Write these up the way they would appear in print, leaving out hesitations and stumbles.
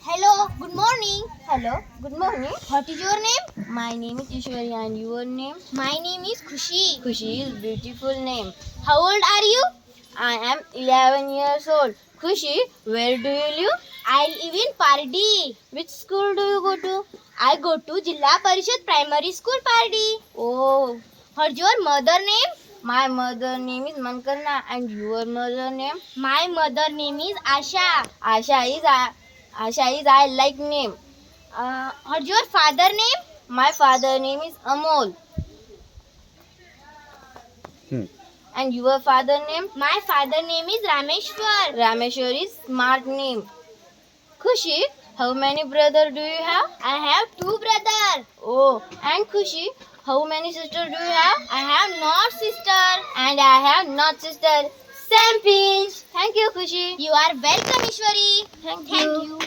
Hello, good morning. Hello, good morning. What is your name? My name is Ishwari and your name? My name is Khushi. Khushi is beautiful name. How old are you? I am 11 years old. Khushi, where do you live? I live in Pardi. Which school do you go to? I go to Jilla Parishad Primary School Pardi. Oh, What's your mother name? my mother name is Mankarna and your mother name? My mother name is Asha. Asha is I like name. What's your father name? My father name is Amol. And your father name? My father name is Rameshwar. Rameshwar is smart name. Khushi, how many brother do you have? I have 2 brothers. Oh, and Khushi, how many sister do you have? I have not sister. And I have not sister. Same pinch. Thank you, Khushi. You are welcome, Ishwari. Thank Thank you. you.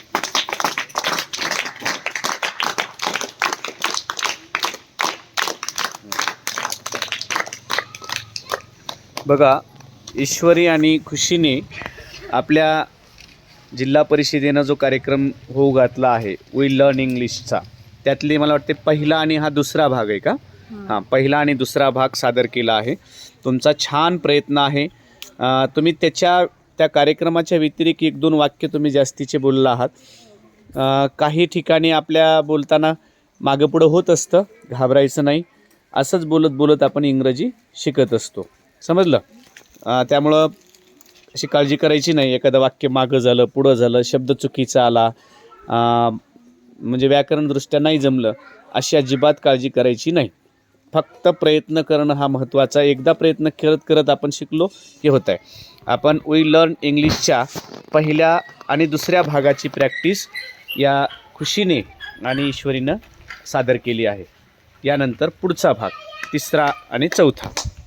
बघा, ईश्वरी आणि खुशीने आपल्या जिल्हा परिषदेनं जो कार्यक्रम होऊ घातला आहे वी लर्न इंग्लिशचा, त्यातले मला वाटते पहिला आणि हा दुसरा भाग आहे का? हां, पहिला आणि दुसरा भाग सादर केला आहे. तुमचा छान प्रयत्न आहे. तुम्ही त्या कार्यक्रमाच्या व्यतिरिक्त 1-2 वाक्य तुम्ही जास्तीचे बोलला आहात. काही ठिकाणी आपल्या बोलताना मागं पुढं होत असतं, घाबरायचं नाही. असंच बोलत बोलत आपण इंग्रजी शिकत असतो, समजलं? त्यामुळं अशी काळजी करायची नाही. एखादं वाक्य मागं झालं, पुढं झालं, शब्द चुकीचा आला, म्हणजे व्याकरणदृष्ट्या नाही जमलं, अशी अजिबात काळजी करायची नाही. फक्त प्रयत्न करणं हा महत्त्वाचा. एकदा प्रयत्न करत करत आपण शिकलो की होत आहे. आपण वी लर्न इंग्लिशच्या पहिल्या आणि दुसऱ्या भागाची प्रॅक्टिस या खुशीने आणि ईश्वरीनं सादर केली आहे. यानंतर पुढचा भाग 3रा आणि 4था.